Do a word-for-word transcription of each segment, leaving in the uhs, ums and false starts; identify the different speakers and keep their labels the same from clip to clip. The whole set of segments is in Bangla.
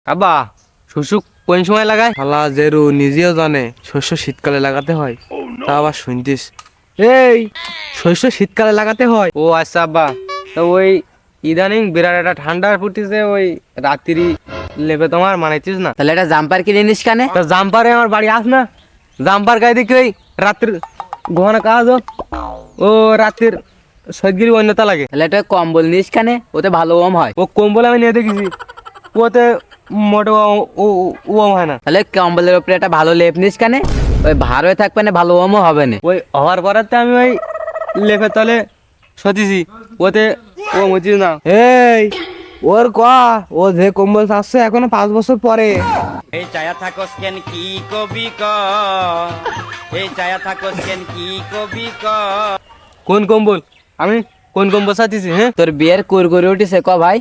Speaker 1: আব্বা শস্য কোন সময় লাগায়?
Speaker 2: শালা জেরু নিজেও জানে শস্য শীতকালে লাগাতে হয়, তা আবার শুনতিস? এই শস্য শীতকালে লাগাতে হয়।
Speaker 1: ও আচ্ছা আব্বা, তো ওই ইদানিং বিরাট একটা ঠান্ডা পড়তেছে, ওই রাত্রি লেবে তোমার মানাইছিস না?
Speaker 3: তাহলে একটা জাম্পার কিনে নিস কানে।
Speaker 1: তা জাম্পারে আমার বাড়ি আস না, জাম্পার গায়ে দেখি ওই রাত্রির ঘন কাজ হোক, ও রাত্রির সৈদগিরি অন্যতা লাগে।
Speaker 3: তাহলে একটা কম্বল নিস কানে, ওতে ভালো ওম হয়।
Speaker 1: ও কম্বল আমি নিয়ে দেখেছি, ওতে মোটে ও- ও- ওম হয় না।
Speaker 3: তাহলে কম্বলের উপরে একটা ভালো লেপ নিস কানে, ওই ভার হয়ে থাকবে না, ভালো ওমও হবে না।
Speaker 1: ওই হওয়ার পরেতে আমি ওই লেপের তলে সতিছি, ওতে ও মুচিস না।
Speaker 2: এই ওর ক ও যে কম্বল আসছে এখনো পাঁচ বছর পরে।
Speaker 4: এই চায়া থাকস কেন কি কবি ক এই চায়া থাকস কেন কি কবি ক
Speaker 1: কোন কম্বল? আমি কোন কম্বল সাথিছি? হ্যাঁ,
Speaker 3: তোর বিয়ের কুর করে উঠিছে ক ভাই।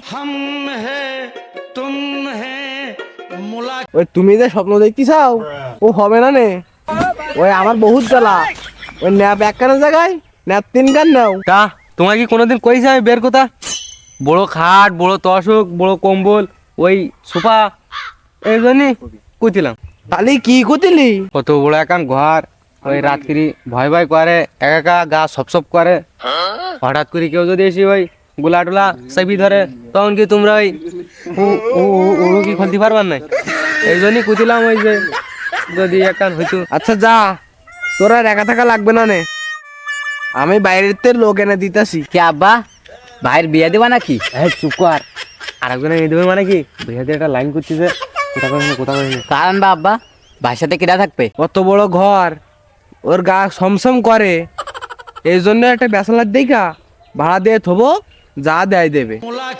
Speaker 2: ওই তুমি যে স্বপ্ন দেখতে চাও ও হবে না নে। ওই আমার বহুত জ্বালা, ওই ন্যাপ এক কানের জায়গায় ন্যাপ তিন কান নাও।
Speaker 1: তা তোমার কি কোনোদিন কইছে আমি বের কথা? বড় খাট, বড় তশক, বড় কম্বল, ওই সোফা, এই জন্যই কুতিলাম।
Speaker 2: তাহলে কি করতিলি?
Speaker 1: কত বড় একান ঘর, ওই রাত্রি ভয় ভয় করে, একা একা গা সপ সপ করে, হঠাৎ করে কেউ যদি এসে ওই গোলা টোলা চাপি ধরে, তখন কি তোমরা ওই উ- উ- উ- উড়ো কি খুলতে পারবার নাই? এই জন্যই কুতিলাম ওই যে যদি একান হইতো।
Speaker 2: আচ্ছা যা, তোর আর একা থাকা লাগবে না নে, আমি বাইরের তে লোক এনে দিতাছি।
Speaker 3: কি আব্বা, ভাইয়ের বিয়ে দেবা নাকি?
Speaker 1: হ্যাঁ চুপ কর, আর একজনে নিয়ে দেবে মানে কি? ভাইয়াদের একটা লাইন করতেছে, কোথা করে নি, কোথা করে নি।
Speaker 3: কারণ বা আব্বা, ভাইয়ের সাথে কিরা থাকবে?
Speaker 2: কত বড় ঘর, ওর গা সমসম করে, এই জন্য একটা বেসালার দেখা ভাড়া দিয়ে থবো, যা দেয় দেবে।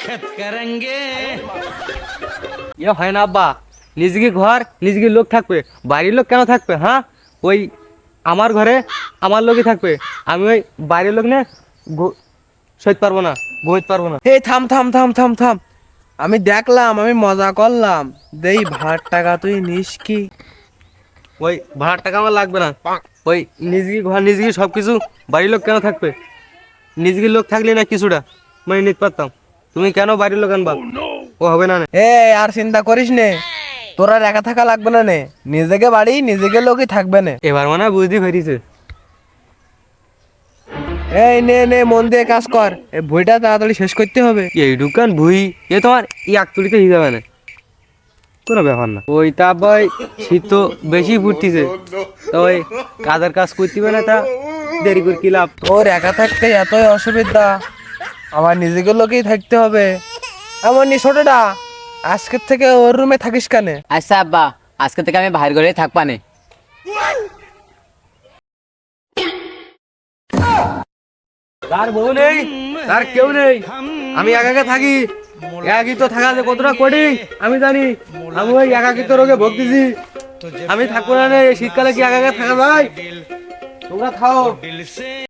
Speaker 1: ইয়ে হয় না আব্বা, নিজেকে ঘর নিজেকে লোক থাকবে, বাড়ির লোক কেন থাকবে? হ্যাঁ, ওই আমার ঘরে আমার লোকই থাকবে, আমি ওই বাইরের লোক নিয়ে সইতে পারবো না, ঘুমোতে পারবো না।
Speaker 2: এই থাম থাম থাম থাম থাম, আমি দেখলাম, আমি মজা করলাম, দেই ভাড়ার টাকা তুই নিস কি?
Speaker 1: ওই ভাড়ার টাকা আমার লাগবে না, ওই নিজেকে ঘর নিজেকে সব কিছু, বাড়ির লোক কেন থাকবে? নিজেকে লোক থাকলে না কিছুটা মানে নিতে পারতাম, তুমি কেন বাড়ির লোক আনবা? ও হবে না না।
Speaker 2: এ আর চিন্তা করিস নে, তোর আর একা থাকা লাগবে না নে, নিজেকে বাড়ি নিজেকে লোকই থাকবে না।
Speaker 1: এবার মানে বুঝতে পেরেছে।
Speaker 2: এই নে নে মন দিয়ে কাজ কর, এই বইটা তাড়াতাড়ি শেষ করতে হবে।
Speaker 1: এই দোকান ভুই, এ তোমার এই আকতুলিতে হিসাবে না, কোনো ব্যাপার না। ওই তা ভাই শীত তো বেশি ফুটতেছে, তো ওই কাজের কাজ করতে হবে না, তা দেরি করে কি লাভ?
Speaker 2: তোর একা থাকতে এতই অসুবিধা, আমার নিজেকে লোকেই থাকতে হবে। এমন নি ছোটটা, আজকের থেকে ওর রুমে থাকিস কানে।
Speaker 3: আচ্ছা আব্বা, আজকে থেকে আমি ভাইয়ের ঘরে থাকবা নে।
Speaker 1: তার বউ নেই, তার কেউ নেই, আমি একাকে থাকি। একাকিত্ব থাকা যে কতটা কঠিন আমি জানি, আমি ওই একাকিত্ব রোগে ভুগতেছি। আমি থাকবো না রে, শীতকালে কি একাকে থাকা যায়? তোমরা খাও।